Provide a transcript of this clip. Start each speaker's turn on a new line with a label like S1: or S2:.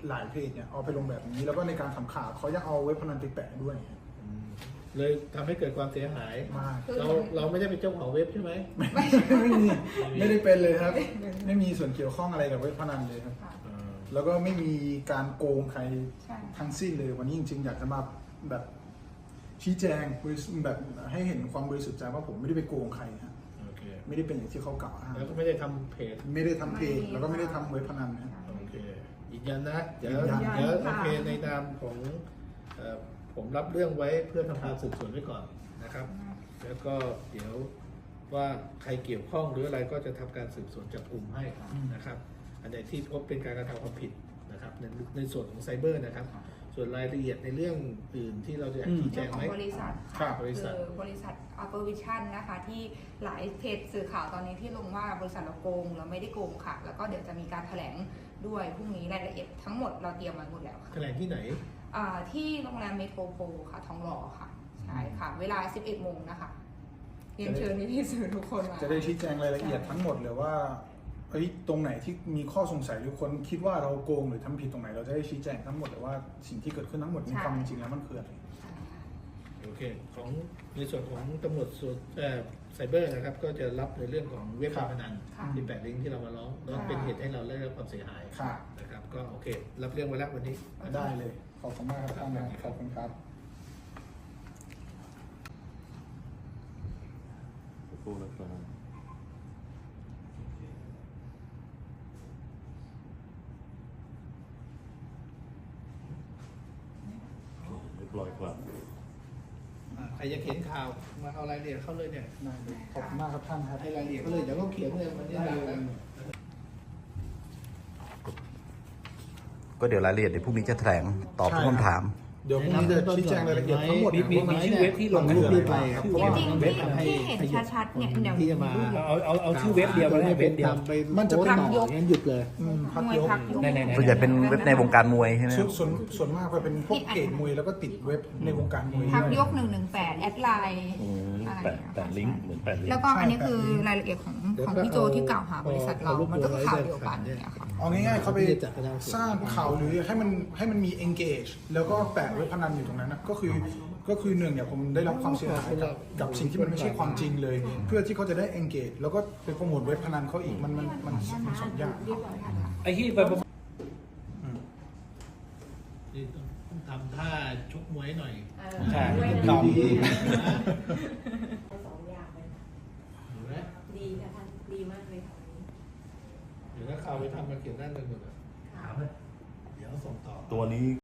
S1: หลายเพจเนี่ยเอาไปลงแบบนี้แล้วก็ในการทำข่าวเขายังเอาเว็บพนันไปแปะด้วย
S2: เลยทำให้เกิดความเสียหาย
S1: มาก
S2: เราไม่ได้เป็นเจ้าของเว็บใช่ไหม
S1: ไม่ได้เป็นเลยครับ ไม่มีส่วนเกี่ยวข้องอะไรกับเว็บพนันเลยครับ แล้วก็ไม่มีการโกงใครทั้งสิ้นเลยวันนี้จริงๆอยากจะมาแบบชี้แจงแบบให้เห็นความบริสุทธิ์ใจว่าผมไม่ได้ไปโกงใครครับ
S2: โอเค
S1: ไม่ได้เป็นอย่างที่เขากล่าวอ้าง
S2: แล้วก็ไม่ได้ทำเพจ
S1: ไม่ได้ทำเพจแล้วก็ไม่ได้ทำเว็บพนันนะครับ
S2: โอเคยืนยันนะเดี๋ยว
S1: ยืนยัน
S2: โอเคในนามของผมรับเรื่องไว้เพื่อทำการสืบสวนไว้ก่อนนะครับ แล้วก็เดี๋ยวว่าใครเกี่ยวข้องหรืออะไรก็จะทำการสืบสวนจับกลุ่มให้นะครับ อันไหนที่พบเป็นการกระทำความผิดนะครับในส่วนของไซเบอร์นะครับ ส่วนรายละเอียดในเรื่องอื่นที่เราจะชี้แจ
S3: เรื่อง
S2: ง
S3: ขอ
S2: ไหม
S3: งบริษัท
S1: ครับ
S2: บริษัท
S3: คือบริษัท Upper Vision นะคะที่หลายเพจสื่อข่าวตอนนี้ที่ลงว่าบริษัทเราโกงเราไม่ได้โกงค่ะ แล้วก็เดี๋ยวจะมีการแถลงด้วยพรุ่งนี้รายละเอียดทั้งหมดเราเตรียมมาหมดแล้วค่ะ
S2: แถลงที่ไหน
S3: ที่โรงแรมเมโทรโพลค่ะทองหล่อค่ะใช่ค่ะ เวลา 11 โมงนะคะเรียนเชิญพี่ๆสื่อทุกคนมา
S1: จะได้ชี้แจงรายละเอียดทั้งหมดเลยว่าตรงไหนที่มีข้อสงสัยหรือคนคิดว่าเราโกงหรือทำผิดตรงไหนเราจะได้ชี้แจงทั้งหมดเลยว่าสิ่งที่เกิดขึ้นทั้งหมดในความจริงแล้วมันคืออะไร
S2: โอเคของในส่วนของตำรวจส่วนไซเบอร์นะครับก็จะรับในเรื่องของเว็บการพนันที่แปะลิงก์ที่เรามาร้องแล้วเป็นเหตุให้เราได้รับความเสียหาย
S1: ค่ะ
S2: นะครับก็โอเครับเรื่องไว้แล้ววันนี้
S1: ได้เลยขอบคุณมากครับท่านนะขอบคุณครับ
S4: พูดแล้วครับเรียบร้อยครับ
S2: ใครจะเขียนข่าวมาเอารายละเอียดเข้าเลยเนี่ย
S1: ได้เลยขอบคุณมากครับท่านครับ
S2: ให้รายละเอียดเขาเลยเดี๋ยวก็เขียนเลยวันนี้นะ
S5: ก็เดี๋ยวรายละเอียดเดี๋ยวพรุ่งนี้จะแถลงตอบทุกคำถาม
S1: เดี๋ยวพรุ่งนี้จะชี้แจงรายละเอียดทั้งหมด
S2: มีชื่อเว็บที่ลงรูปนี้ไปครับ
S3: จริงๆที่เห็นชัดๆเนี่ยเดี๋ยว
S2: ที่จะมาเอาชื่อเว็บเดียวมาให้เว็บเดียวไป
S1: มันจะเป็น
S2: ต่องั้นหยุดเลย
S1: พัก
S3: มวย
S1: ยก
S3: พักยก
S5: ส่วนใหญ่เป็นเว็บในวงการมวยใช่ไหม
S1: ส่วนมากจะเป็นพวกเกตมวยแล้วก็ติดเว็บในวงการมวย
S3: พัก
S1: ด้วย
S3: ยก118แอดไลน์อะไร
S4: แปะลิงก์เหมือนแปะลิงก์
S3: แล้วก็อันนี้คือรายละเอียดของพี่โจที่กล่าวหาบริษัทเรา มันก็คือข่าวเดียวกันเนี่ยค่ะ
S1: เอาง่ายๆเขาไปสร้างข่าวหรือให้มันมี engage แล้วก็แปะเว็บพนันอยู่ตรงนั้นนะก็คือหนึ่งเนี่ยผมได้รับความเสียหายกับสิ่งที่มันไม่ใช่ความจริงเลย เพื่อที่เขาจะได้ engage แล้วก็ไปโปรโมทเว็บพนันเขาอีกมันสองอย่าง
S2: ไอ้ที่ไปนี่ต้องทำท่าชกมวยหน่อย
S1: ใช่
S2: ตอบ
S1: ดี
S6: สองอย่างเลยค่ะ
S2: เห็นไหม
S6: ดีค่ะท่านดีมากเลยค่ะ
S2: เดี๋ยวถ้าข่าวไปทำมาเขียนด้านหนึ่งหมดอ่ะ
S6: ค่ะ
S2: เดี๋ยวส่งต่อ
S4: ตัวนี้